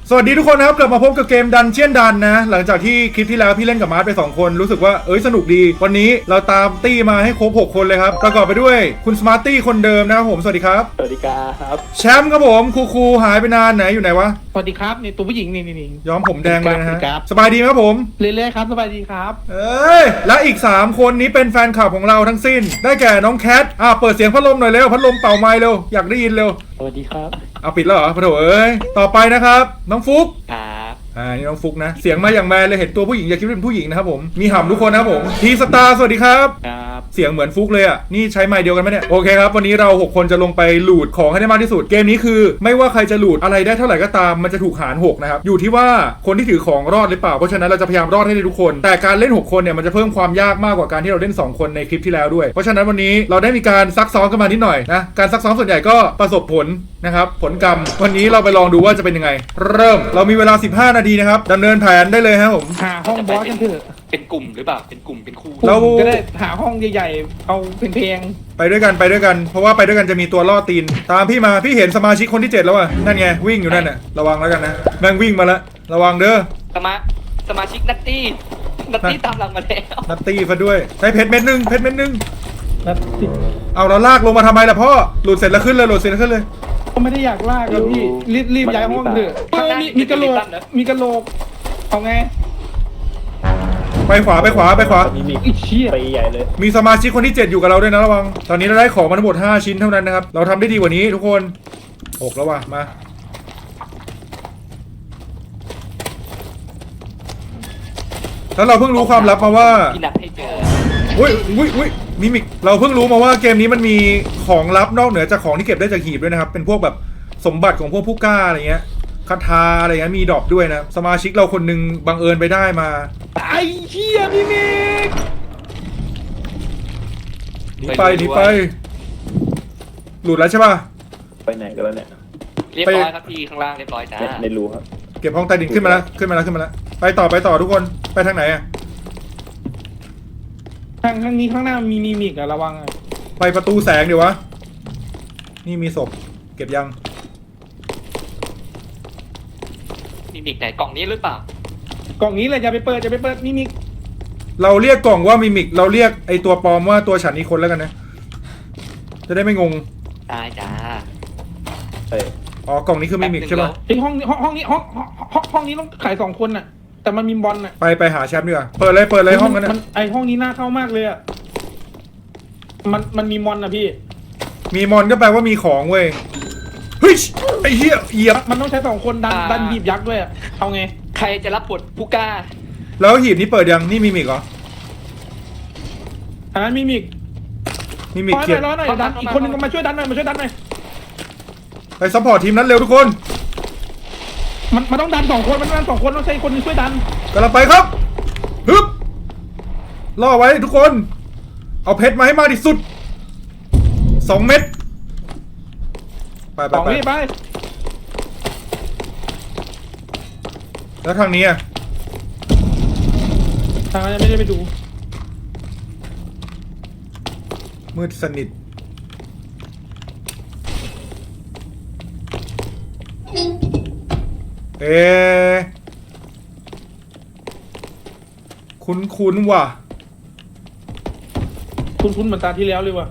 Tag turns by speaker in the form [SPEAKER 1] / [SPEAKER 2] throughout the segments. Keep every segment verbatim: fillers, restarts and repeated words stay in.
[SPEAKER 1] สวัสดีทุกคนนะครับกลับมาพบกับเกมดันเชียนดันนะหลังจากที่คลิปที่แล้วพี่เล่นกับมาร์ทไปสองคนรู้สึกว่าเอ้ยสนุกดีวันนี้เราตามตี้มาให้ครบหกคนเลยครับประกอบไปด้วยคุณสมาร์ตี้คนเดิมนะครับผมสวัสดีครับ
[SPEAKER 2] สวัสดีครับ
[SPEAKER 1] แชมป์ครับผมครูครูหายไปนานไหนอยู่ไหนวะ
[SPEAKER 3] สวัสดีครับนี่ตัวผู้หญิงนี่นี่นี่
[SPEAKER 1] ย้อมผมแดงเลยนะฮะสบายดีไหมครับผม
[SPEAKER 3] เรื่อยๆครับสบายดีครับ
[SPEAKER 1] เอ้ยและอีกสามคนนี้เป็นแฟนคลับของเราทั้งสิ้นได้แก่น้องแคทอ่ะเปิดเสียงพัดลมหน่อยเร็วพัดลมเป่าไม้เร็วอยากได้ยินเร็ว
[SPEAKER 2] สวัสดีครับ
[SPEAKER 1] เอาปิดแล้วเหรอพะโถเอ้ยต่อไปนะครับน้องฟุก
[SPEAKER 2] ครับ
[SPEAKER 1] อ่านี่น้องฟุกนะเสียงมาอย่างแมนเลยเห็นตัวผู้หญิงอย่าคิดว่าเป็นผู้หญิงนะครับผมมีห่ำทุกคนนะครับผมทีสตาร์สวัสดีครับ
[SPEAKER 2] ครับ
[SPEAKER 1] เสียงเหมือนฟุกเลยอ่ะนี่ใช้ไมค์เดียวกันไหมเนี่ยโอเคครับวันนี้เราหกคนจะลงไปหลูดของให้ได้มากที่สุดเกมนี้คือไม่ว่าใครจะหลูดอะไรได้เท่าไหร่ก็ตามมันจะถูกหารหกนะครับอยู่ที่ว่าคนที่ถือของรอดหรือเปล่าเพราะฉะนั้นเราจะพยายามรอดให้ได้ทุกคนแต่การเล่นหกคนเนี่ยมันจะเพิ่มความยากมากกว่าการที่เราเล่นสองคนในคลิปที่แล้วด้วยเพราะฉะนั้นวันนี้เราได้มีการซักซ้อมกันมานิดหน่อยนะการซักซ้อมส่วนใหญ่ก็ประสบผลนะครับผลกรรมวันนี้เราไปลองดูว่าจะเป็นยังไงเริ่มเรามีเวลาสิบห้านาทีนะครับดำเนินแผนได้เลยครับผม
[SPEAKER 3] หาห้องบอสกันเถอะ
[SPEAKER 2] เป็นกลุ่มหรือเปล่าเป็นกลุ่มเป็นคู่
[SPEAKER 3] เราจะได้หาห้องใหญ่ๆเอาเพลง
[SPEAKER 1] ไปด้วยกันไปด้วยกันเพราะว่าไปด้วยกันจะมีตัวล่อตีนตามพี่มาพี่เห็นสมาชิกคนที่เจ็ดแล้วอ่ะนั่นไงวิ่งอยู่นั่นน่ะระวังแล้วกันนะแม่งวิ่งมาแล้วระวังเด้อ
[SPEAKER 2] สมาสมาชิกนัตตี้นัตตี้ตามหลังมาแล้ว
[SPEAKER 1] นัตตี้ฟะด้วยใช้เพชรเม็ดนึงเพชรเม็ดนึง
[SPEAKER 3] นัตตี้
[SPEAKER 1] เอาเราลากลงมาทำไมล่ะพ่อหลุดเสร็จแล้วขึ้นเลยหลุดเสร็จแล้วขึ้นเลย
[SPEAKER 3] ก็ไม่ได้อยากลากแล้วพี่รีบรีบย้ายห้องเถอะมีมีกระโหลกมีกระโหลกเอาไง
[SPEAKER 1] ไปขวาไปขวาไปขวา
[SPEAKER 2] มีมีไปใหญ่เลย
[SPEAKER 1] มีสมาชิกคนที่เจ็ดอยู่กับเราด้วยนะระวังตอนนี้เราได้ของมาทั้งหมดห้าชิ้นเท่านั้นนะครับเราทำได้ดีกว่านี้ทุกคนหกแล้วว่ะมาแล้วเราเพิ่งรู้ความลับมาว่า
[SPEAKER 2] พี่นัดให้เจอ
[SPEAKER 1] อุ้ยอุ้ยอุ้ยมิมิกเราเพิ่งรู้มาว่าเกมนี้มันมีของลับนอกเหนือจากของที่เก็บได้จากหีบด้วยนะครับเป็นพวกแบบสมบัติของพวกผู้กล้าอะไรเงี้ยคาถาอะไรเงี้ยมีดรอปด้วยนะสมาชิกเราคนนึงบังเอิญไปได้มา
[SPEAKER 3] ไอ้เหี้ยพี่มิก
[SPEAKER 1] หนีไปหนีไปหลุดแล้วใช่ป่ะ
[SPEAKER 2] ไปไหนกันแล้วเนี่ยเรียบร้อยครับพี่ข้างล่างเรียบร้อยจ้าในรูครับ
[SPEAKER 1] เก็บห้องใต้ดินขึ้นมาแล้วขึ้นมาแล้วขึ้นมาแล้วไปต่อไปต่อทุกคนไปทางไหนอะ
[SPEAKER 3] ทางทางนี้ข้างหน้ามีมีมิกอะระวังอะ
[SPEAKER 1] ไปประตูแสงเดี๋ยววะนี่มีศพเก็บยัง
[SPEAKER 2] มีมิกไหนกล่องนี้หรือเปล่าก
[SPEAKER 3] ล่องนี้เลยอย่าไปเปิดอย่าไปเปิดมีมิก
[SPEAKER 1] เราเรียกกล่องว่ามิมิกเราเรียกไอตัวปลอมว่าตัวฉันอีกคนแล้วกันนะจะได้ไม่งง
[SPEAKER 2] ได้จ้า
[SPEAKER 1] อ๋อกล่องนี้คือมิมิกใช่ป่ะ
[SPEAKER 3] ไอห้องห้องห้องนี้ห้องห้องห้องนี้ต้องขายสองคนน่ะแต่มันมีบอลน่ะ
[SPEAKER 1] ไปไปหาแชมป์ดีกว่าเปิดเลยเปิดเลยห้องนั้นนะ
[SPEAKER 3] ไอห้องนี้น่าเข้ามากเลยอ่ะมันมันมีมอนนะพี่
[SPEAKER 1] มีมอนก็แปลว่ามีของเว้ยเฮ้ยไอเหี้ยเหยียบ
[SPEAKER 3] มันต้องใช้สองคนดันดันหีบยักษ์ด้วยอ่ะเอาไง
[SPEAKER 2] ใครจะรับบทผู้กล้า
[SPEAKER 1] แล้วหีบนี้เปิดยังนี่มิมิกเหรอ
[SPEAKER 3] อันนั้นมิมิก
[SPEAKER 1] มิมิกเกียร์
[SPEAKER 3] ร้อนหน่อยดันอีกคนนึงมาช่วยดันหน่อยมาช่วยดันหน่อย
[SPEAKER 1] ไปซัพพอร์ตทีมนั้นเร็วทุกคน
[SPEAKER 3] มันมันต้องดันสองคนมันต้องดันสองคนต้องใช้คนนึงช่วยดัน
[SPEAKER 1] กำลังไปครับฮึบล่อไว้ทุกคนเอาเพชรมาให้มากที่สุดสองเม็ดไปไปไป
[SPEAKER 3] ไป
[SPEAKER 1] แล้วทางนี้อ่ะ
[SPEAKER 3] ทางนั้นไม่ได้ไปดู
[SPEAKER 1] มืดสนิทเอ๊ะคุ้นคุ้นว่ะ
[SPEAKER 3] คุ้นคุ้นเหมือนตาที่แล้วเลยว่ะ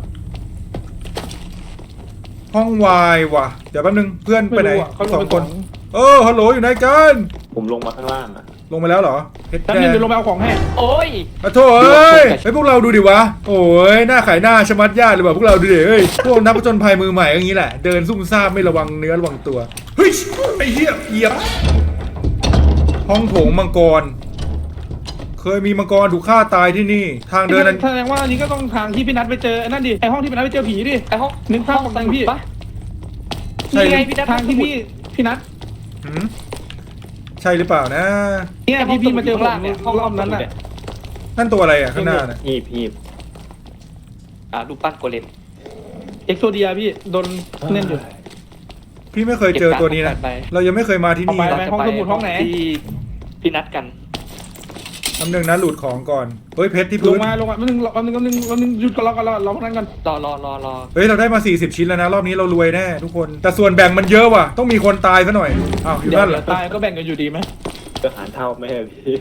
[SPEAKER 1] ห้องวายว่ะเดี๋ยวแป๊บนึงเพื่อนไปไหนสองคนเออฮัลโหลอยู่ไหนกัน
[SPEAKER 2] ผมลงมาข้างล่างอะ
[SPEAKER 1] ลงไปแล้วเหรอ
[SPEAKER 3] เพชรแดงเดี๋ยวลงไปเอาของให้
[SPEAKER 2] โอ้ย
[SPEAKER 1] อะโถ่เอ้ยไอพวกเราดูดิวะโอ้ยหน้าขายหน้าชะมัดญาติเลยว่ะพวกเราดูดิเอ้ยพวกนักผจญภัยมือใหม่อย่างนี้แหละเดินซุ่มซ่ามไม่ระวังเนื้อระวังตัวเฮ้ยไอ้เหี้ยเหยียบห้องโถงมังกรเคยมีมังกรถูกฆ่าตายที่นี่ทางเดินนั้น
[SPEAKER 3] แสดงว่าอันนี้ก็ต้องทางที่พี่นัทไปเจอนั่นดิไอห้องที่พี่นัทไปเจอผีดิ
[SPEAKER 2] ไอห้อง
[SPEAKER 3] นึกภาพของตังพี่
[SPEAKER 2] ใช่ไงพี่นัท
[SPEAKER 3] ทางที่พี่พี่นัท
[SPEAKER 1] ใช่หรือเปล่านะ
[SPEAKER 3] เนี่ยพี่พี่มาเจอผมเนี่ยห้องรอบนั้นน่ะ
[SPEAKER 1] นั่นตัวอะไรอ่ะข้างหน้าน่ะ
[SPEAKER 2] หีบหีบอ่ารูปปั้นโกเลม
[SPEAKER 3] เอ็กโซเดียพี่โดนเล่นอยู่
[SPEAKER 1] พี่ไม่เคยเจอตัวนี้นะเรายังไม่เคยมาที่นี่
[SPEAKER 3] ไปห้องสมุดห้องไหน
[SPEAKER 2] ที่พี่นัดกัน
[SPEAKER 1] คำหนึ่งนะหลุดของก่อนเฮ้ยเพชรที่
[SPEAKER 3] ล
[SPEAKER 1] พื้
[SPEAKER 3] ง
[SPEAKER 1] น
[SPEAKER 3] มาลงมาแป๊บนึงแป๊บนึงแป๊บนึงแป๊บนึงหยุดก่อนรอก่อนรอรอพนันกัน
[SPEAKER 2] รอรอรอรอ
[SPEAKER 1] เฮ้ยเราได้มาสี่สิบชิ้นแล้วนะรอบนี้เรารวยแน่ทุกคนแต่ส่วนแบ่งมันเยอะว่ะต้องมีคนตายซะหน่อยอ้าวอยู่
[SPEAKER 3] เดี๋ยว
[SPEAKER 1] นั่นเหร
[SPEAKER 3] เดี๋
[SPEAKER 1] อ
[SPEAKER 3] ยวตายก็แบ่งกันอยู่ดีไหม
[SPEAKER 2] จะหารเท่าไหมอะพี่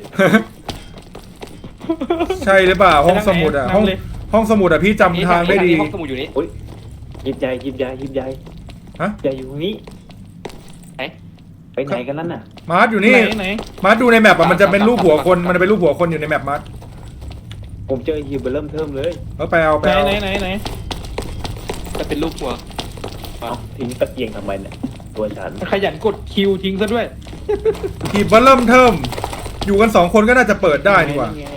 [SPEAKER 1] ใช่หรือเปล่าห้องสมุดอ่ะห้องห้องสมุดอ่ะพี่จำทางได้ดี
[SPEAKER 2] ห้องสมุดอยู่นี่อุ้ยยิบใหญ่ยิบใหญ่ยิบใหญ่
[SPEAKER 1] ฮะ
[SPEAKER 2] ใหญ่อยู่ตรงนี้ไหนไปไหนกันนั่นน่ะ
[SPEAKER 1] มาร์ทอยู่นี่
[SPEAKER 3] ไหนไหน
[SPEAKER 1] มาร์ทดูในแมปอ่ะมันจะเป็นรูปหัวคนมันจะเป็นรูปหัวคนอยู่ในแมปมาร์ท
[SPEAKER 2] ผมเจอฮิวเบอร์เริ่มเทิมเลย
[SPEAKER 1] เออไปเอาไป
[SPEAKER 3] ไหน
[SPEAKER 1] เอา
[SPEAKER 3] ไหนไหนไหน
[SPEAKER 2] จะเป็นรูปหัวเอ้าทิ้งตะเกียงทำไมเนี่ยตัวฉัน
[SPEAKER 3] ขยันกดคิวทิ้งซะด้วย
[SPEAKER 1] ทีบเริ่มเทิมอยู่กันสองคนก็น่าจะเปิดได้ดีกว่า
[SPEAKER 2] ไง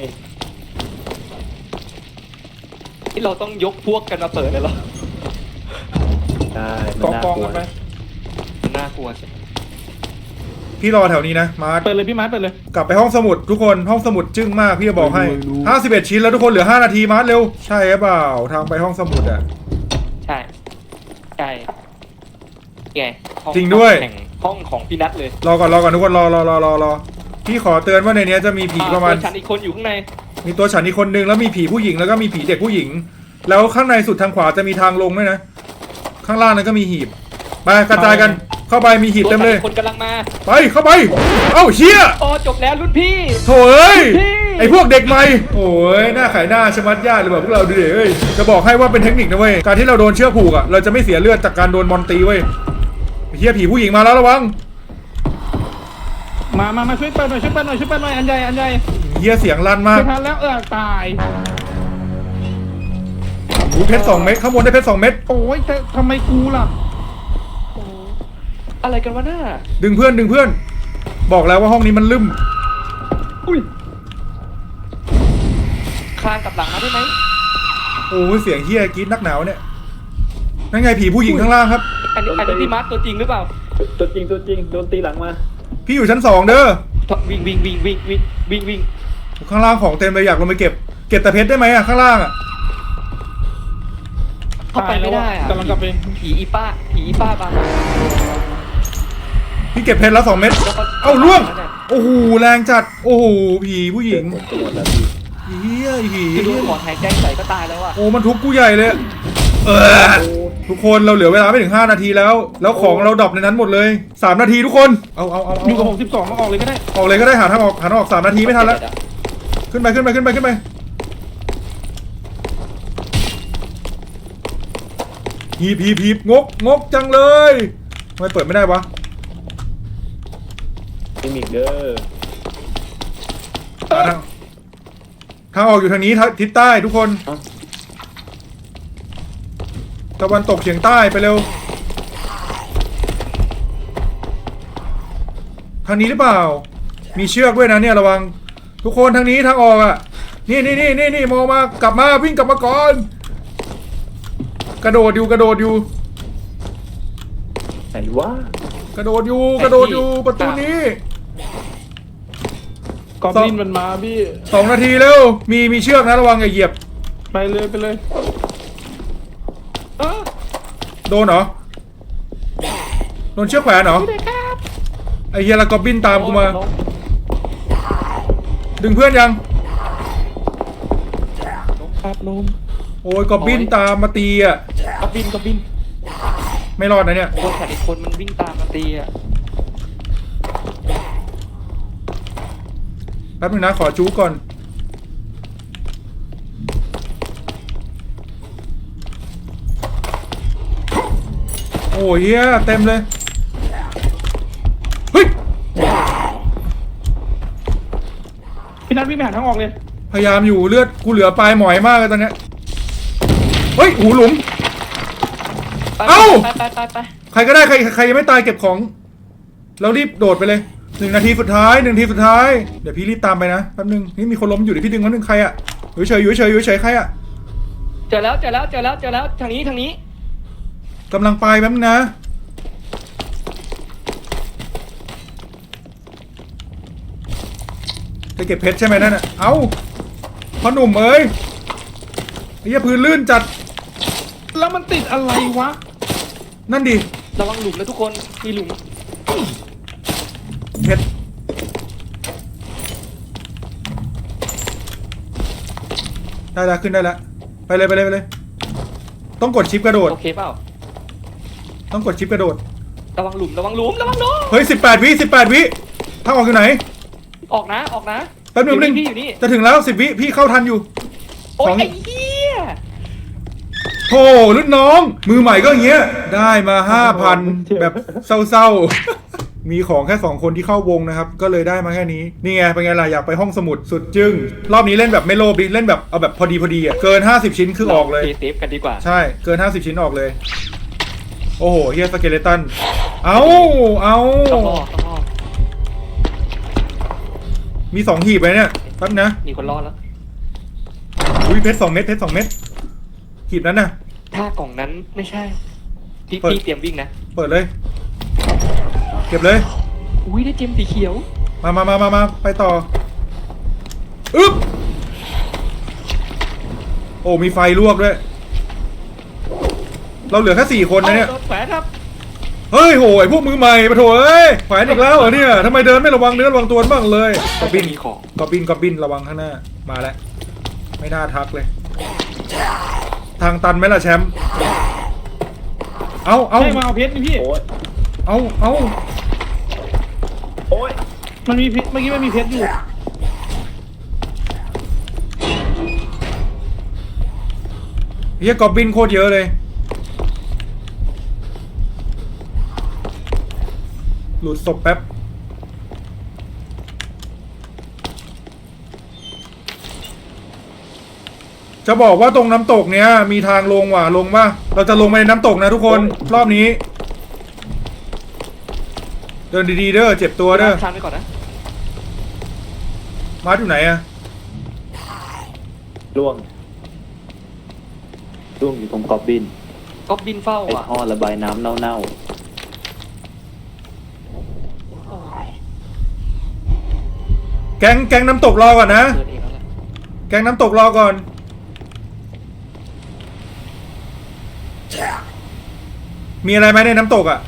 [SPEAKER 2] ที่เราต้องยกพวกกันมาเปิดเลยเหรอใช่
[SPEAKER 3] กองกองกันไป
[SPEAKER 2] มันน่ากลัวใช่
[SPEAKER 1] พี่รอแถวนี้นะมาร์ท
[SPEAKER 3] เปิดเลยพี่มาร์ทเปิดเลย
[SPEAKER 1] กลับไปห้องสมุดทุกคนห้องสมุดจึ้งมากพี่จะบอกให้
[SPEAKER 3] รู้
[SPEAKER 1] ห้าสิบเอ็ดชิ้นแล้วทุกคนเหลือห้านาทีมาร์ทเร็วใช่หรือเปล่าทางไปห้องสมุดอ่ะ
[SPEAKER 2] ใช่ใช่ไงห้อ
[SPEAKER 1] จริงด้วย
[SPEAKER 2] แห่งห้องของพี่นัทเลย
[SPEAKER 1] รอก่อนรอก่อนทุกคนรอรอรอรอรอพี่ขอเตือนว่าในเนี้ยจะมีผีประมาณ
[SPEAKER 2] อ่ตัวฉันอีกคนอยู่ข้างใน
[SPEAKER 1] มีตัวฉันอีกคนนึงแล้วมีผีผู้หญิงแล้วก็มีผีเด็กผู้หญิง แล้วข้างในสุดทางขวาจะมีทางลงด้วยนะ ข้างล่างนั้นก็มีหีบไปกระจายกันเข้าไปมีหีบ
[SPEAKER 2] ตัว
[SPEAKER 1] เต็ม
[SPEAKER 2] ฉัน
[SPEAKER 1] เลย
[SPEAKER 2] อีกคนกำลังมา
[SPEAKER 1] ไปเข้าไปเอ้าเชี่ย
[SPEAKER 2] โอ้จบแล้วรุ่นพี่
[SPEAKER 1] โถ่เอ้ย
[SPEAKER 2] พี่
[SPEAKER 1] ไอพวกเด็กใหม่โอ้ยหน้าขายหน้าชะมัดญาติเลยแบบพวกเราดูดิเอ้ยจะบอกให้ว่าเป็นเทคนิคนะเว้ยการที่เราโดนเชือกผูกอ่ะเราจะไม่เสียเลือดจากการโดนมอนตีเว้ยเฮียผีผู้หญิงมาแล้วระวัง
[SPEAKER 3] มามามาช่วยเปิดหน่อยช่วยเปิดหน่อยช่วยเปิดหน่อยอันใหญ่อันใหญ่
[SPEAKER 1] เฮียเสียงลั่นมาก
[SPEAKER 3] ไม่ทันแล้วเออตาย
[SPEAKER 1] หูเพชรสองเม็ดข้างบนได้เพชรสองเม็ด
[SPEAKER 3] โอ้ยแต่ทำไมกูล่ะ
[SPEAKER 2] อะไรกันวะน่า
[SPEAKER 1] ดึงเพื่อนดึงเพื่อน บอกแล้วว่าห้องนี้มันลืม
[SPEAKER 3] อุ้ย
[SPEAKER 2] คลานกลับหลังมาได้ไหม
[SPEAKER 1] โอ้ยเสียงเฮียกรีดนักหนาวเนี่ยนั่นไงผีผู้หญิงข้างล่างครับ
[SPEAKER 2] อันนี้อันนี้พี่มาร์คตัวจริงหรือเปล่า
[SPEAKER 4] ตัวจริงตัวจริงโดนตีหลังมา
[SPEAKER 1] พี่อยู่ชั้นสองเด้อ
[SPEAKER 2] วิ่งวิ่งวิ่งวิ่งวิ่งวิ่งวิ่ง
[SPEAKER 1] ข้างล่างของเต็มเลยอยากลงไปเก็บเก็บแต่เพชรได้ไหมอะข้างล่างอะ
[SPEAKER 2] เข้าไปไม่ได้อะ
[SPEAKER 3] กำลังกลับไป
[SPEAKER 2] ผีอีป้าผีอีป้าบาง
[SPEAKER 1] พี่เก็บเพชรแล้วสองเม็ดเอ้าล่วงโอ้โหแรงจัดโอ้โหผีผู้หญิง
[SPEAKER 4] หมดตัวแล้วพี่
[SPEAKER 1] เฮียไอ้ผี
[SPEAKER 2] คือโดนหมอนหายใจใส่ก็ตายแล้วอะ
[SPEAKER 1] โอ้มันทุบกูใหญ่เลยเออทุกคนเราเหลือเวลาไม่ถึงห้านาทีแล้ว แล้วของเราดรอปในนั้นหมดเลยสามนาทีทุกคนเอาเอาเอาเอา
[SPEAKER 3] อยู่กับผมสิบสองมาออกเลยก็ได้
[SPEAKER 1] ออกเลยก็ได้หาทางออกหาทางออกสามนาทีไม่ทันแล้วขึ้นไปขึ้นไปขึ้นไปขึ้นไปฮีบฮีบฮีบงกงกจังเลยทำไมเปิดไม่ได้วะ
[SPEAKER 4] ไม่มีเด้อ
[SPEAKER 1] หาทางทางออกอยู่ทางนี้ทางทิศใต้ทุกคนตะวันตกเฉียงใต้ไปเร็วทางนี้หรือเปล่า มีเชือกด้วยนะเนี่ยระวังทุกคนทางนี้ทางออกอ่ะนี่นี่นี่นี่นี่มองมากลับมาวิ่งกลับมาก่อนกระโดดอยู่กระโดดอยู่
[SPEAKER 4] ไหนวะ
[SPEAKER 1] กระโดดอยู่กระโดดอยู่ประตูนี้
[SPEAKER 3] กอบลินมันมาพี่
[SPEAKER 1] สองนาทีเร็วมีมีเชือกนะระวังอย่าเหยียบ
[SPEAKER 3] ไปเลยไปเลยเออ
[SPEAKER 1] โดนเหรอโดนเชือกแขวนเหรอไอเฮียละกอบบินตามกูมา ดึงเพื่อนยัง
[SPEAKER 2] ครับลม
[SPEAKER 1] โอ้ยกอบบินตามมาตีอ่ะ
[SPEAKER 2] กระบินกระบิน
[SPEAKER 1] ไม่รอดนะเนี่ย
[SPEAKER 2] คนขัดอีกคนมันวิ่งตามมาตีอะ
[SPEAKER 1] แป๊บนึงนะขอจู๊ก่อนโอ้ยเฮียเต็มเลยเฮ้ย
[SPEAKER 3] พี่นัทวิ่งไปหาทางออกเลย
[SPEAKER 1] พยายามอยู่เลือดกูเหลือปลายหมอยมากเลยตอนเนี้ยเฮ้ยหูหลุม
[SPEAKER 2] ไป
[SPEAKER 1] เอ้า
[SPEAKER 2] ไปไปไปไป
[SPEAKER 1] ใครก็ได้ใครใครยังไม่ตายเก็บของแล้วรีบโดดไปเลยหนึ่งนาทีสุดท้ายหนึ่งนาทีสุดท้ายเดี๋ยวพี่รีบตามไปนะแป๊บนึงนี่มีคนล้มอยู่เดี๋ยวพี่ดึงมันหนึ่งใครอะอยู่เฉยอยู่เฉยอยู่เฉยใครอะ
[SPEAKER 2] เจอแล้วเจอแล้วเจอแล้วเจอแล้วทางนี้ทางนี้
[SPEAKER 1] กำลังไปแป๊บนึงนะจะเก็บเพชรใช่ไหมนั่นอะเอ้าพ่อหนุ่มเอ้ยไอ้เหี้ยพื้นลื่นจัด
[SPEAKER 3] แล้วมันติดอะไรวะ
[SPEAKER 1] นั่นดิ
[SPEAKER 2] ระวังหลุมนะทุกคนมีหลุม
[SPEAKER 1] เพชรได้แล้วขึ้นได้แล้วไปเลยไปเลยไปเลย ต้องกดชิปกระโดด
[SPEAKER 2] โอเคเปล่า
[SPEAKER 1] ต้องกดชิปกระโดด
[SPEAKER 2] ระวังหลุมระวังหลุมระวังหลุม
[SPEAKER 1] เฮ้ยสิบแปดวิสิบแปดวิทางออกอยู่ไหน
[SPEAKER 2] ออกนะออกนะ
[SPEAKER 1] แป๊บนึงแป๊บนึง
[SPEAKER 2] พี่อยู่นี่
[SPEAKER 1] จะถึงแล้วสิบวิพี่เข้าทันอยู่
[SPEAKER 2] โอ้ย
[SPEAKER 1] ของ
[SPEAKER 2] ไอ้เหี้ย
[SPEAKER 1] โธ่รุ่นน้อง มือใหม่ก็อย่างเงี้ย ได้มาห้าพันแบบเศร้าๆ มีของแค่สองคนที่เข้าวงนะครับ ก็เลยได้มาแค่นี้ นี่ไงเป็นไงล่ะอยากไปห้องสมุดสุดจึ้งรอบนี้เล่นแบบไม่โลภดิเล่นแบบเอาแบบพอดีพอดีอ่ะเกินห้าสิบชิ้นคือออกเลย
[SPEAKER 2] เซฟกันดีกว่า
[SPEAKER 1] ใช่เกินห้าสิบชิ้นออกเลย โอ้โหเฮียสเกเลตันเอาเอา
[SPEAKER 2] ต้องรอดต้องรอด
[SPEAKER 1] มีสองหีบเลยเนี่ยแป๊บนะ
[SPEAKER 2] มีคนรอดแล้ว
[SPEAKER 1] อุ้ยเพชรสองเม็ดเพชรสองเม็ดหีบนั้นน่ะ
[SPEAKER 2] ถ้ากล่องนั้นไม่ใช่พี่
[SPEAKER 1] เปิด
[SPEAKER 2] พี่เตรียมวิ่งนะ
[SPEAKER 1] เปิดเลย เก็บเลย
[SPEAKER 2] อุ้ยได้เจมสีเขียว
[SPEAKER 1] มามามามามาไปต่ออึ๊บโอ้มีไฟลวกด้วย เราเหลือแค่สี่คนนะเนี่ย
[SPEAKER 2] อาโดนแขวนครับ
[SPEAKER 1] เฮ้ยโหยพวกมือใหม่ปะโถเอ้ยแขวนอีกแล้วเหรอเนี่ยทำไมเดินไม่ระวังเนื้อระวังตัวบ้างเลยกอบบิน
[SPEAKER 2] มีของ
[SPEAKER 1] กอบบินกอบบินระวังข้างหน้ามาแล้วไม่น่าทักเลย ทางตันไหมล่ะแชมป์เอาเอา
[SPEAKER 3] ใช่มาเอาเพชรนี่พี่
[SPEAKER 4] โอ้ย
[SPEAKER 1] เอาเอา
[SPEAKER 4] โอ้ย
[SPEAKER 3] มันมีเพชรเมื่อกี้มันมีเพชรอยู่
[SPEAKER 1] เฮียกอบบินโคตรเยอะเลยหลุดศพแป๊บจะบอกว่าตรงน้ำตกเนี้ยมีทางลงว่ะลงป่ะเราจะลงไปในน้ำตกนะทุกคนรอบนี้ เดินดีๆเด้อเจ็บตัวเด้อ
[SPEAKER 2] ชันไปก่อนนะ
[SPEAKER 1] มาร์ทอยู่ไหนอะ
[SPEAKER 4] ล่วงล่วงอยู่ตรงกอบบิน
[SPEAKER 2] ก็บินเฝ้า
[SPEAKER 4] ไอ้
[SPEAKER 2] อ่ะ
[SPEAKER 4] ท่อระบายน้ำเน่า
[SPEAKER 1] แก๊งแก๊งน้ำตกรอก่อนนะ
[SPEAKER 2] เดินเองแล้วแหละ
[SPEAKER 1] แก๊งน้ำตกรอก่อน มีอะไรไหมในน้ำตกอ่ะ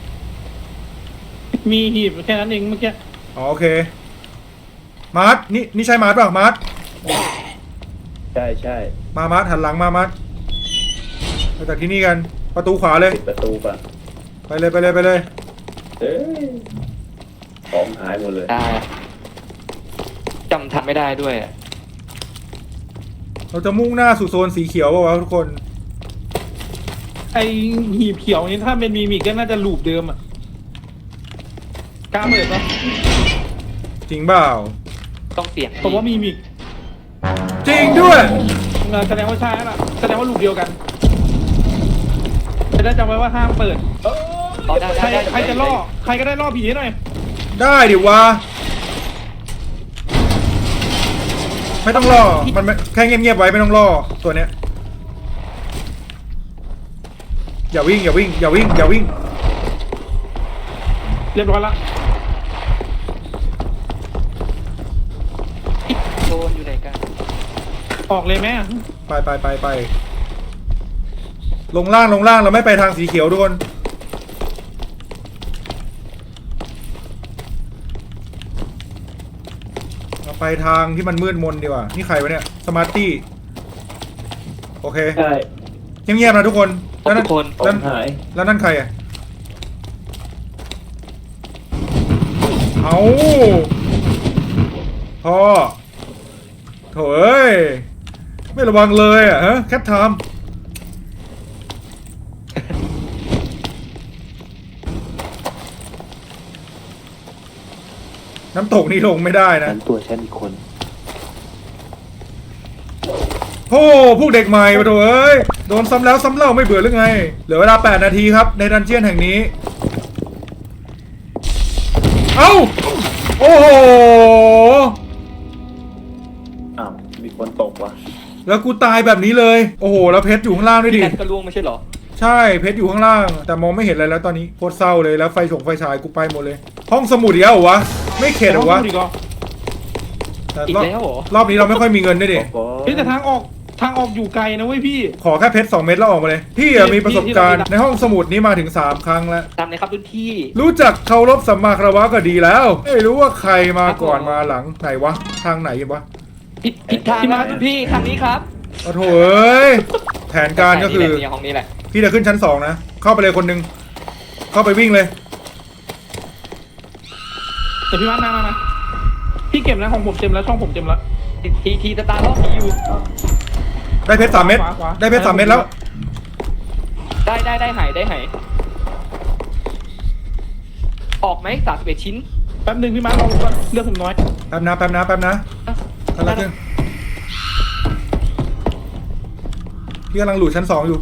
[SPEAKER 3] มีหีบแค่นั้นเองเมื่อกี้
[SPEAKER 1] อ๋อโอเค มาร์ทนี่นี่ใช่มาร์ทเปล่ามาร์ท
[SPEAKER 4] ๆใช่ใช่
[SPEAKER 1] มามาร์ทหันหลังมามาร์ทไปจากที่นี่กัน ประตูขวาเลย
[SPEAKER 4] ปิดประตูป่ะ
[SPEAKER 1] ไปเลยไปเลยไปเลย
[SPEAKER 4] เอ้ยของหายหมดเลย
[SPEAKER 2] ได้จำทันไม่ได้ด้วยอะ
[SPEAKER 1] เราจะมุ่งหน้าสู่โซนสีเขียวป่าวะทุกคน
[SPEAKER 3] ไอหีบเขียวนี้ถ้าเป็นมีมิกก็น่าจะลูปเดิมอ่ะกล้าเปิดปะ
[SPEAKER 1] จริงเปล่า
[SPEAKER 2] ต้องเสี่ยง
[SPEAKER 3] ผมว่ามีมิก
[SPEAKER 1] จริงด้วย
[SPEAKER 3] เออแสดงว่าใช่แล้วล่ะแสดงว่าลูปเดียวกันจะได้จำไว้ว่าห้ามเปิด
[SPEAKER 2] เอาได้
[SPEAKER 3] ใคร
[SPEAKER 2] ได้
[SPEAKER 3] ใครจะล่อใครก็ได้ล่อผีให้หน่อย
[SPEAKER 1] ได้ดิวะไม่ต้องรอมันไม่แค่เงียบๆไว้ไม่ต้องรอตัวเนี้ยอย่าวิ่งอย่าวิ่งอย่าวิ่งอย่าวิ่ง
[SPEAKER 3] เรียบร้อยละ
[SPEAKER 2] โดนอยู่ไหนกัน
[SPEAKER 3] ออกเลยไหม
[SPEAKER 1] ไปไปไปไปลงล่างลงล่างเราไม่ไปทางสีเขียวทุกคนเราไปทางที่มันมืดมนดีกว่านี่ใครวะเนี่ยสมาร์ตี้โอเค
[SPEAKER 4] ใช่
[SPEAKER 1] เงียบๆนะทุกคนแล้ว
[SPEAKER 2] ทุ
[SPEAKER 1] นั่น
[SPEAKER 2] กคน
[SPEAKER 4] ขอ
[SPEAKER 1] แล้ว
[SPEAKER 4] งหาย
[SPEAKER 1] แล้วนั่นใครอ่ะเอาพ่อโถ่เอ้ยไม่ระวังเลยอ่ะฮะแคทไทม์น้ำตกนี่ลงไม่ได้นะ
[SPEAKER 4] ฉันตัวฉันอีกคน
[SPEAKER 1] โอ้พวกเด็กใหม่มาโถ่เอ้ยโดนซ้ำแล้วซ้ำเล่าไม่เบื่อหรือไงเหลือเวลาแปดนาทีครับในดันเจียนแห่งนี้เอ้าโอ้โห
[SPEAKER 4] อ้าวมีคนตกว่ะ
[SPEAKER 1] แล้วกูตายแบบนี้เลยโอ้โหแล้วเพชรอยู่ข้างล่างด้วยดิ
[SPEAKER 2] แอนก็ล่วงไม่ใช่เหรอ
[SPEAKER 1] ใช่เพชรอยู่ข้างล่าง แต่มองไม่เห็นอะไรแล้วตอนนี้โคตรเศร้าเลยแล้วไฟฉงไฟฉายกูไปหมดเลย ห้องสมุดอีกแล้วเหรอวะไม่เข็ดเหรอวะ
[SPEAKER 3] ห้งพูดอีกเหรอ
[SPEAKER 1] แต่
[SPEAKER 2] อีก
[SPEAKER 1] รอบ
[SPEAKER 2] แล้วเหรอ
[SPEAKER 1] รอบนี้เราไม่ค่อยมีเงินด้วยดิ
[SPEAKER 4] โอ้โห
[SPEAKER 3] เฮ้ยแต่ทางออกทางออกอยู่ไกลนะเว้ยพี่
[SPEAKER 1] ขอแค่เพชรสองเม็ดแล้วออกมาเลยพี่อะมีประสบการณ์ในห้องสมุดนี้มาถึงสามครั้งแล้ว
[SPEAKER 2] ตามเลยครับรุ่นพี่
[SPEAKER 1] รู้จักเคารพสัมมาคารวะก็ดีแล้วไม่รู้ว่าใครมาก่อนมาหลังไหนวะทางไหนกันวะ
[SPEAKER 2] ผิดผิดทางครับรุ่นพี่ทางนี้ครับ
[SPEAKER 1] โอ้โถเอ้ยแผนการก็คือ
[SPEAKER 2] เนี่ยห้องนี้แหละ
[SPEAKER 1] พี่จะขึ้นชั้นสองนะเข้าไปเลยคนหนึ่งเข้าไปวิ่งเลย
[SPEAKER 3] แต่พี่วัดมามามาพี่เก็บแล้วของผมเต็มแล้วช่องผมเต็มแล้ว
[SPEAKER 2] ทีทีสตาร์ล็อกผีอยู่
[SPEAKER 1] ได้เพชรสามเม็ด
[SPEAKER 3] ขวาขวา
[SPEAKER 1] ได้เพชรสามเม็ดแล้ว
[SPEAKER 2] ได้ได้ได้หายได้หายออกไหมสามสิบเอ็ดชิ้น
[SPEAKER 3] แป๊บหนึงพี่มาร์ครอผมก่อนเลือกผมน้อย
[SPEAKER 1] แป๊บนะแป๊บนะแป๊บนะกำลังขึ้นพี่กำลังหลุดชั้นสองอยู่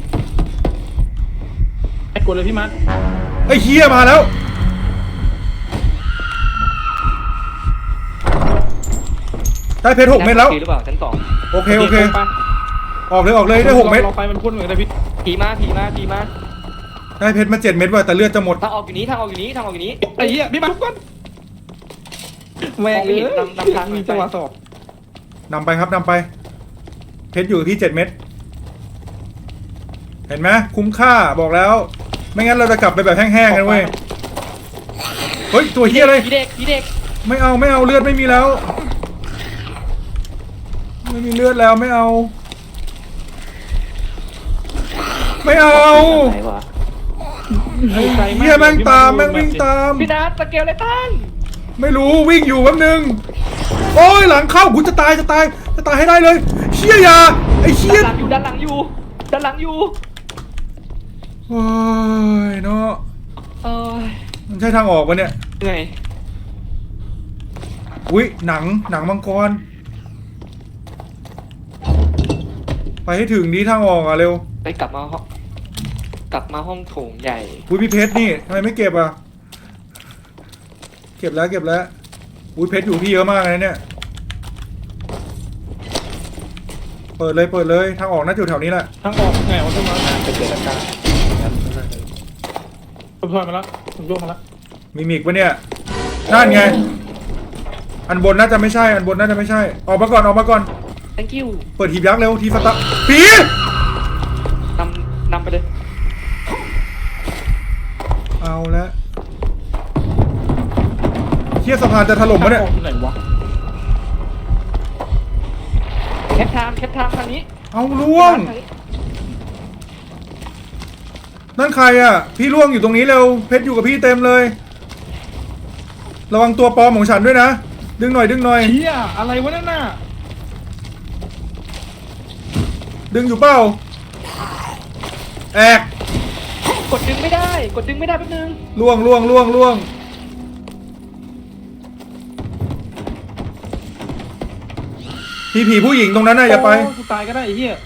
[SPEAKER 3] ไอ้กดเลยพี่มาร์ค
[SPEAKER 1] ไอ้เฮียมาแล้วได้เพชรหกเม็ดแล้ว
[SPEAKER 2] หรือเปล่าชั้นสอง
[SPEAKER 1] โอเคโอเค
[SPEAKER 3] ไป
[SPEAKER 1] ออกเลยออกเลยได้หกเม็ด
[SPEAKER 3] รอไปมันพ่นเหมือนกันพี่
[SPEAKER 2] ผีมาผีมาผีมา
[SPEAKER 1] ได้เพชรมาเจ็ดเม็ดว่ะแต่เลือดจะหมด
[SPEAKER 2] ทางออกอยู่นี้ทางออกอยู่นี้ทางออกอยู่นี้
[SPEAKER 3] ไอ้เหี้ยพี่มาร์คทุกคนแม่ง
[SPEAKER 2] มองไม่เห็น
[SPEAKER 3] เอ้ย
[SPEAKER 2] นำนำทาง
[SPEAKER 3] มีจังหวะสอบ
[SPEAKER 1] นำไปครับนำไป เพชรอยู่กับพี่เจ็ดเม็ดเห็นไหมคุ้มค่าบอกแล้ว ไม่งั้นเราจะกลับไปแบบแห้งๆกันเว้ยเฮ้ยตัวเฮียเลย
[SPEAKER 2] ผีเด็กผีเด็ก
[SPEAKER 1] ไม่เอาไม่เอาเลือดไม่มีแล้ว ไม่มีเลือดแล้วไม่เอา ไม่เอา
[SPEAKER 2] ไหนวะ
[SPEAKER 3] ไกลาก
[SPEAKER 1] เฮียแม่งตามแม่งวิ่งตาม
[SPEAKER 2] พี่นัทสเกลเลยตั้ง
[SPEAKER 1] ไม่รู้วิ่งอยู่แป๊บนึงโอ้ยหลังเข้ากูจะตายจะตายจะตายให้ได้เลยเฮียอยาไอ้เฮีย
[SPEAKER 2] ด้านหลังอยู่ด้านหลังอยู่ด้านหลังอยู่
[SPEAKER 1] โอ้ยเนาะ
[SPEAKER 2] เออ
[SPEAKER 1] มันใช่ทางออกปะเนี่ย
[SPEAKER 2] ไง
[SPEAKER 1] อุ้ยหนังหนังมังกรไปให้ถึงดีทางออกอ่ะเร็ว
[SPEAKER 2] ไปกลับมาห้องกลับมาห้องโถงใหญ่
[SPEAKER 1] อุ้ยพี่เพชรนี่ทำไมไม่เก็บอ่ะเก็บแล้วเก็บแล้วอุ้ยเพชรอยู่พี่เยอะมากเลยเนี่ยเปิดเลยเปิดเลยทางออกน่าจะอยู่แถวนี้แหละ
[SPEAKER 3] ทางออกไงวะพี่มาร์ค
[SPEAKER 4] จะเกิดอาการงั้นน่าจะ
[SPEAKER 3] ผมถอยมาแล้วผมโยกมาแล้ว
[SPEAKER 1] มีมิกปะเนี่ยนั่นไงอันบนน่าจะไม่ใช่อันบนน่าจะไม่ใช่ออกมาก่อนออกมาก่อน
[SPEAKER 2] thank you
[SPEAKER 1] เปิดหีบยักษ์เร็วทีสตาร์ผี
[SPEAKER 2] นำนำไปเลย
[SPEAKER 1] เอาแล้วเฮียสะพานจะถล่มปะเนี่ย
[SPEAKER 3] ทางออกอยู่ไหนวะ
[SPEAKER 2] แคปไทม์แคปไทม์ทางนี้
[SPEAKER 1] เอาล่วง
[SPEAKER 2] ทางนี้
[SPEAKER 1] นั่นใครอ่ะ พี่ล่วงอยู่ตรงนี้เร็วเพชรอยู่กับพี่เต็มเลย ระวังตัวปลอมของฉันด้วยนะ ดึงหน่อยดึงหน่อย
[SPEAKER 3] เหี้ยอะไรวะนั่นน่ะ
[SPEAKER 1] ดึงอยู่เปล่าแอก
[SPEAKER 2] กดดึงไม่ได้ กดดึงไม่ได้แป๊บนึง
[SPEAKER 1] ล่วงล่วงล่วงล่วงพี่ผีผู้หญิงตรงนั้นน่ะอย่าไป
[SPEAKER 3] โกูตายก็ได้ไอ้เหี้ย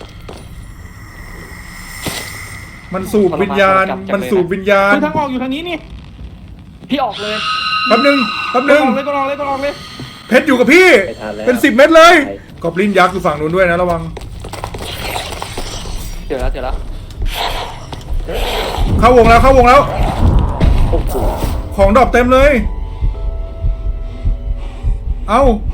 [SPEAKER 1] มันสูบวิญญาณ มันสูบวิญญาณ
[SPEAKER 3] คือทางออกอยู่ทางนี้นี่
[SPEAKER 2] พี่ออกเลย
[SPEAKER 1] แป๊บนึงแป๊บ
[SPEAKER 3] ก
[SPEAKER 1] นึ
[SPEAKER 3] ดอง อกเลยกดออกเลยกดออกเลย
[SPEAKER 1] เพชรอยู่กับพี่
[SPEAKER 4] ไปทานแล้ว
[SPEAKER 1] เป็นสิบเม็ดเลยกอบลินยักษ์อยู่ฝั่งนู้นด้วยนะระวัง
[SPEAKER 2] เดี๋ยวแล้วเดี๋ยวแล้ว
[SPEAKER 1] เข้าวงแล้วเข้าวงแล้ว
[SPEAKER 4] โอ้โห
[SPEAKER 1] ของดรอปเต็มเลย เอา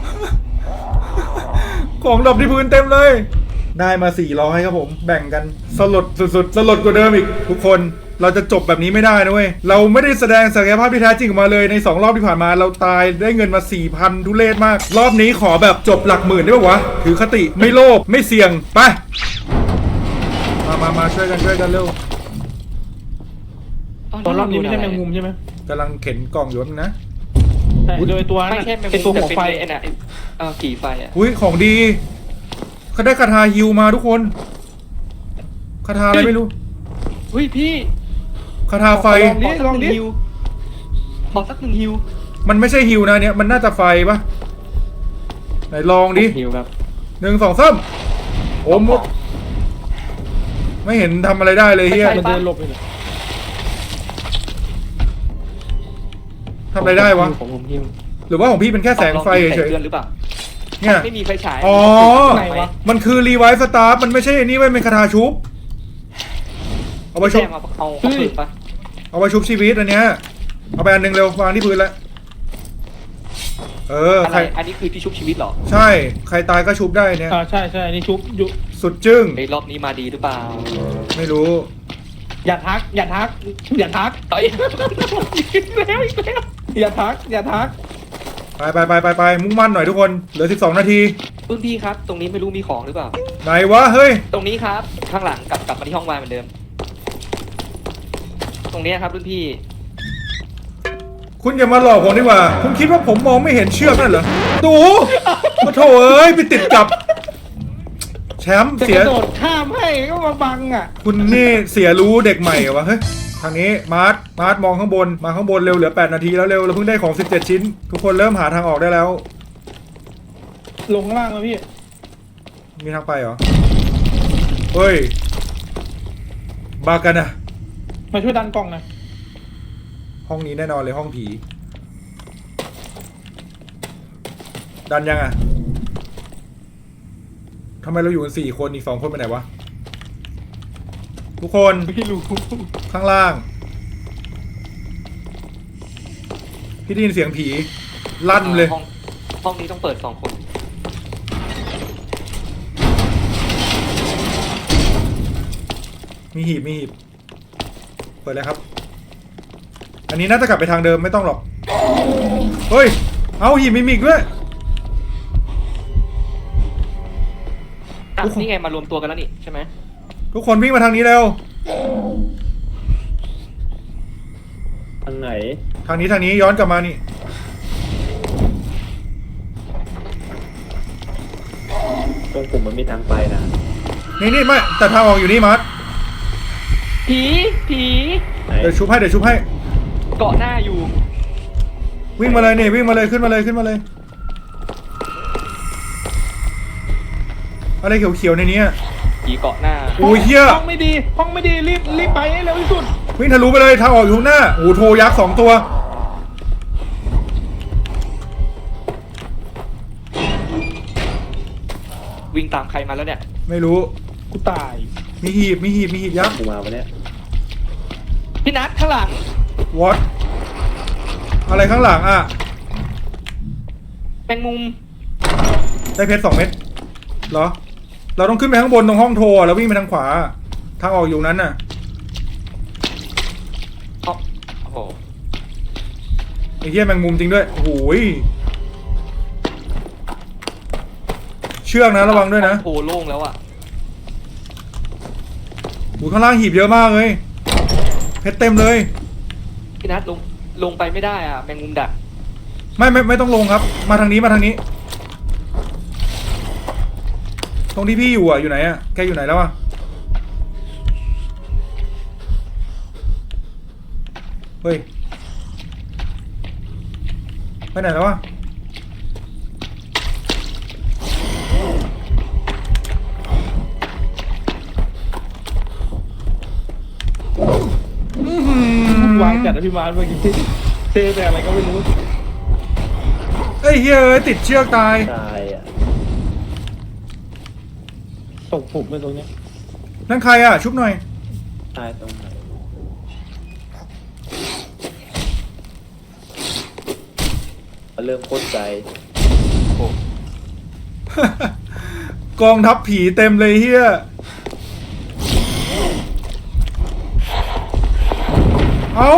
[SPEAKER 1] ของดรอปที่พื้นเต็มเลย ได้มาสี่ร้อยครับผม แบ่งกันสลดสุดๆ สลดกว่าเดิมอีก ทุกคน เราจะจบแบบนี้ไม่ได้นะเว้ย เราไม่ได้แสดงศักยภาพที่แท้จริงออกมาเลยในสองรอบที่ผ่านมา เราตายได้เงินมา สี่พัน ทุเรศมาก รอบนี้ขอแบบจบหลักหมื่นได้ปะวะ ถือคติไม่โลภไม่เสี่ยง ไป มามามาช่วยกันช่วยกันเร็ว
[SPEAKER 3] ตอนรอบนี้ไม่ใช่แมงมุมใช่ไหม
[SPEAKER 1] กำลังเข็นกล่องอยู่นะ
[SPEAKER 3] ใช่โดยตัวนั้น
[SPEAKER 2] ไม่
[SPEAKER 3] น่ะ
[SPEAKER 2] ใช่แมง
[SPEAKER 3] ไอ
[SPEAKER 2] มุ
[SPEAKER 3] ตัว
[SPEAKER 2] มแต่
[SPEAKER 3] หัว
[SPEAKER 2] เป็น
[SPEAKER 3] ไฟ
[SPEAKER 2] ไอ้น่ะไอ้เออขี่ไฟอ่ะ
[SPEAKER 1] อุ้ยของดีเขาได้คาถาฮิวมาทุกคนคาถาอะไรไม่รู้
[SPEAKER 2] อุ้ยพี่
[SPEAKER 1] คาถาไฟ
[SPEAKER 3] ลองดิลองดิ
[SPEAKER 2] ฮิวขอสักหนึ่งฮิว
[SPEAKER 1] มันไม่ใช่ฮิวนะเนี่ยมันน่าจะไฟปะไหนลองดิ
[SPEAKER 2] ฮิวครับ
[SPEAKER 1] หนึ่งสองสามโอ้มดไม่เห็นทำอะไรได้เลยเฮีย
[SPEAKER 3] มันเดินหลบไปเลย
[SPEAKER 1] ทำอะไรได้วะ
[SPEAKER 2] ของผมฮิว
[SPEAKER 1] หรือว่าของพี่เป็นแค่แสงไฟเฉย
[SPEAKER 2] เตือนหรือเปล่า
[SPEAKER 1] ๆเนี่ย
[SPEAKER 2] ไม่มีไฟฉาย
[SPEAKER 1] อ๋อ
[SPEAKER 3] ไหนวะ
[SPEAKER 1] มันคือรีไวซ์สตาร์มันไม่ใช่อันนี้เว้ยเป็นคาถาชุบเอาไป
[SPEAKER 2] ไม่
[SPEAKER 1] ชุ
[SPEAKER 2] ใช่
[SPEAKER 1] บ
[SPEAKER 2] เอาเอาเอาปืนปะ
[SPEAKER 1] เอาไปชุบชีวิตอันเนี้ยเอาไปอันหนึ่งเร็ววางที่พื้นแล้วเออ
[SPEAKER 2] อะไร
[SPEAKER 1] ใคร
[SPEAKER 2] อันนี้คือที่ชุบชีวิตเหรอ
[SPEAKER 1] ใช่ ใครตายก็ชุบได้เนี่ย
[SPEAKER 3] อ่าใช่ใช่อันนี้ชุบอยู่
[SPEAKER 1] สุดจึ้ง
[SPEAKER 2] ไอ้รอบนี้มาดีหรือเปล่า
[SPEAKER 1] ไม่รู้
[SPEAKER 3] อย่าทัก อย่าทัก อย่าทัก
[SPEAKER 2] ต่อย
[SPEAKER 3] อีกแล้วอีกแล้วอย่าทัก อย่าทัก
[SPEAKER 1] ไปไปไปไปไปมุ่งมั่นหน่อยทุกคน เหลือสิบสองนาที
[SPEAKER 5] รุ่นพี่ครับ ตรงนี้ไม่รู้มีของหรือเปล่า
[SPEAKER 1] ไหนวะเฮ้ย
[SPEAKER 5] ตรงนี้ครับ ข้างหลังกลับกลับมาที่ห้องวายเหมือนเดิม ตรงนี้ครับรุ่นพี่
[SPEAKER 1] คุณอย่ามาหลอกผมดีกว่า คุณคิดว่าผมมองไม่เห็นเชือกนั่นเหรอดูมาโถเอ้ยไปติดกับ แชมป์
[SPEAKER 3] จะ
[SPEAKER 1] เสี
[SPEAKER 3] ก
[SPEAKER 1] ย
[SPEAKER 3] ระโดดข้ามให้ก็มาบังอ่ะ
[SPEAKER 1] คุณนี่เสียรู้เด็กใหม่เหรอวะเฮ้ยทางนี้มาร์ทมาร์ทมองข้างบนมาข้างบนเร็วเหลือแปดนาทีแล้วเร็วเราเพิ่งได้ของสิบเจ็ดชิ้น ทุกคนเริ่มหาทางออกได้แล้ว
[SPEAKER 3] ลงข้างล่างแล้วพี่
[SPEAKER 1] มีทางไปเหรอเฮ้ยบากันนะ
[SPEAKER 3] มาช่วยดันกล่องหน่อย
[SPEAKER 1] ห้องนี้แน่นอนเลยห้องผี ดันยังอ่ะทำไมเราอยู่กันสี่คนอีกสองคนไปไหนวะทุกคน
[SPEAKER 3] ไม่รู้
[SPEAKER 1] ข้างล่างพี่ได้ยินเสียงผีลั่นเลย
[SPEAKER 5] ห้องห้องนี้ต้องเปิดสองคน
[SPEAKER 1] มีหีบมีหีบเปิดเลยครับ อันนี้น่าจะกลับไปทางเดิมไม่ต้องหรอกเฮ้ยเอาหีบมีมิกด้วย
[SPEAKER 5] อ่ะ
[SPEAKER 1] โอ้โห
[SPEAKER 5] นี่ไงมารวมตัวกันแล้วนี่ใช่ไหม
[SPEAKER 1] ทุกคนวิ่งมาทางนี้เร็ว
[SPEAKER 2] ทางไหน
[SPEAKER 1] ทางนี้ทางนี้ย้อนกลับมานี่
[SPEAKER 2] ตรงผมมันมีทางไปนะ
[SPEAKER 1] นี่นี่ไม่แต่ทางออกอยู่นี่มาร์ท
[SPEAKER 5] ผีผี
[SPEAKER 2] ไหน
[SPEAKER 1] เดี๋ยวชุบให้เดี๋ยวชุบให้
[SPEAKER 5] เกาะหน้าอยู่
[SPEAKER 1] วิ่งมาเลยนี่วิ่งมาเลยขึ้นมาเลยขึ้นมาเลยอะไรเขียวๆในนี้อะ
[SPEAKER 5] ผีเกาะหน้า
[SPEAKER 1] โอ้ยเหี้ย
[SPEAKER 3] ห้องไม่ดี ห้องไม่ดีรีบรีบไปให้เร็วที่สุด
[SPEAKER 1] วิ่งทะลุไปเลยทางออกอยู่ข้างหน้าโอ้โหโทรยักษ์สองตัว
[SPEAKER 5] วิ่งตามใครมาแล้วเนี่ย
[SPEAKER 1] ไม่รู้
[SPEAKER 3] กูตาย
[SPEAKER 1] มีหีบมีหีบมีหีบยักษ์
[SPEAKER 2] กูมาวันเนี้ย
[SPEAKER 5] พี่นัทข้างหลัง
[SPEAKER 1] วอตอะไรข้างหลังอ่ะ
[SPEAKER 5] แมงมุม
[SPEAKER 1] ได้เพชรสองเม็ดเหรอ เราต้องขึ้นไปข้างบนตรงห้องโทรอะแล้ววิ่งไปทางขวา ทางออกอยู่นั้นน่ะ
[SPEAKER 5] อ๋อโอ้โห
[SPEAKER 1] ไอ้เหี้ยแมงมุมจริงด้วยโอ้โหยเชือกนะระวังด้วยนะ
[SPEAKER 5] โอ้โหโล่งแล้วอ่ะ
[SPEAKER 1] โอ้โหข้างล่างหีบเยอะมากเลยเพชรเต็มเลย
[SPEAKER 5] พี่นัทลงลงไปไม่ได้อ่ะแมงมุมดัก
[SPEAKER 1] ไม่ไม่ไม่ต้องลงครับ มาทางนี้มาทางนี้ ตรงที่พี่อยู่อ่ะอยู่ไหนอ่ะแกอยู่ไหนแล้วอ่ะเฮ้ยไปไหนแล้วอ่ะอื้อหือ
[SPEAKER 3] วางจัดอภิบาลเมื่อกี้เทแต่อะไรก็ไม่รู้
[SPEAKER 1] เอ้ยเฮ้ยเอ้ยติดเชือกตาย
[SPEAKER 2] ตายอ่ะ
[SPEAKER 3] ตกผมไปตรงเนี้ย
[SPEAKER 1] นั่นใครอ่ะชุบหน่อย
[SPEAKER 2] ตายตรงไหนเริ่มโคตรใจ
[SPEAKER 5] โอ้
[SPEAKER 1] กองทัพผีเต็มเลยเฮียเอา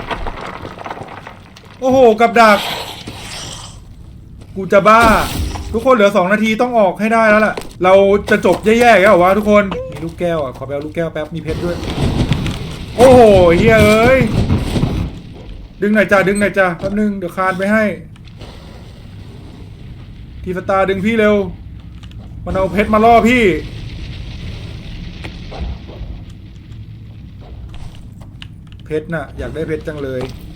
[SPEAKER 1] โอ้โหกับดัก กูจะบ้า ทุกคนเหลือสองนาทีต้องออกให้ได้แล้วล่ะ เราจะจบแย่ๆแล้วเหรอวะทุกคน มีลูกแก้วอ่ะ ขอไปเอาลูกแก้วแป๊บ มีเพชรด้วย โอ้โหเฮียเอ้ย ดึงหน่อยจ้าดึงหน่อยจ้าแป๊บนึง เดี๋ยวคานไปให้ ทีสตาร์ดึงพี่เร็ว มันเอาเพชรมาล่อพี่ เพชรน่ะ อยากได้เพชรจังเลย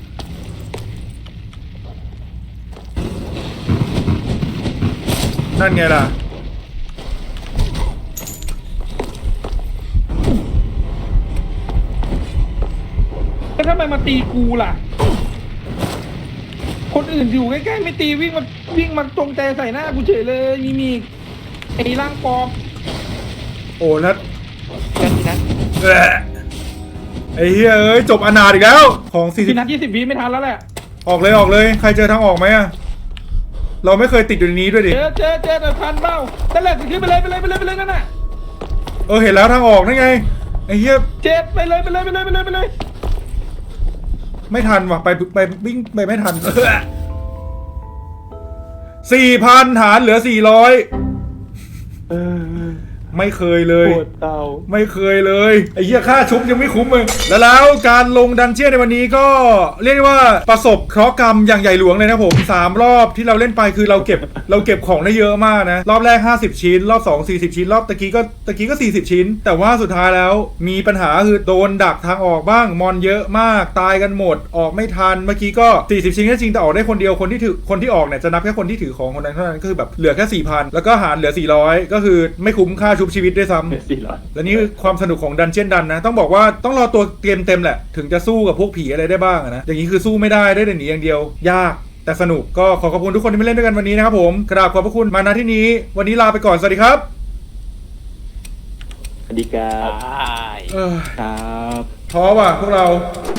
[SPEAKER 1] นั่นไงล่ะ
[SPEAKER 3] แล้วทำไมมาตีกูล่ะ คนอื่นอยู่ใกล้ๆไม่ตีวิ่งมาวิ่งมาตรงใจใส่หน้ากูเฉยเลยมีมีไอ้ร่างปลอม
[SPEAKER 1] โอ้แล้ว
[SPEAKER 5] แล้วพี่นัท
[SPEAKER 1] แหละไอ้เฮ้ยเอ้ย จบอนาถอีกแล้ว ของสี่สิบ
[SPEAKER 3] พี่นัดยี่สิบวิไม่ทันแล้วแหละ
[SPEAKER 1] ออกเลยออกเลย ใครเจอทางออกไหมอะเราไม่เคยติดอยู่ในนี้ด้วยดิ
[SPEAKER 3] เจอเจอเจอแต่ทันเปล่านั่นแหละขึ้นไปเลยไปเลยไปเลยไปเลยนั่นน่ะ
[SPEAKER 1] เออเห็นแล้วทางออกนั่นไง ไอ้เหี้ย
[SPEAKER 3] เจ็ดไปเลยไปเลยไปเลยไปเลยไปเลย
[SPEAKER 1] ไม่ทันว่ะ ไปไปวิ่งไปไม่ทัน สี่พันฐานเหลือสี่ร้อย
[SPEAKER 2] เออ
[SPEAKER 1] ไม่เคยเลย
[SPEAKER 2] ปวดเตา
[SPEAKER 1] ไม่เคยเลยไอ้เหี้ยค่าชุบยังไม่คุ้มเลยแล้วแล้วการลงดันเจี้ยนในวันนี้ก็เรียกได้ว่าประสบเคราะห์กรรมอย่างใหญ่หลวงเลยนะผมสามรอบที่เราเล่นไปคือเราเก็บ เราเก็บของได้เยอะมากนะรอบแรกห้าสิบชิ้นรอบสองสี่สิบชิ้นรอบตะกี้ก็ตะกี้ก็สี่สิบชิ้น แต่ว่าสุดท้ายแล้วมีปัญหาคือโดนดักทางออกบ้างมอนเยอะมากตายกันหมดออกไม่ทันเมื่อกี้ก็สี่สิบชิ้นก็จริงแต่ออกได้คนเดียวคนที่ถือคนที่ออกเนี่ยจะนับแค่คนที่ถือของคนนั้นเท่านั้นก็คือแบบเหลือแค่ สี่พัน แล้วก็หารเหลือสี่ร้อยก็คือไม่คุ้มค่าชุบชีวิตด้วยซ้ำ
[SPEAKER 2] สี่ร้อย
[SPEAKER 1] และนี่คือความสนุกของดันเจียนดันนะ ต้องบอกว่าต้องรอตัวเกมเต็มแหละ ถึงจะสู้กับพวกผีอะไรได้บ้างอะนะ อย่างนี้คือสู้ไม่ได้ได้แต่หนีอย่างเดียว ยากแต่สนุกก็ขอขอบคุณทุกคนที่มาเล่นด้วยกันวันนี้นะครับผมกราบขอบพระคุณมาณที่นี้ วันนี้ลาไปก่อน สวัสดีครับ
[SPEAKER 2] สวัสดีครับ
[SPEAKER 5] ใช่
[SPEAKER 1] เออ
[SPEAKER 2] ครับ
[SPEAKER 1] ท้อว่ะพวกเรา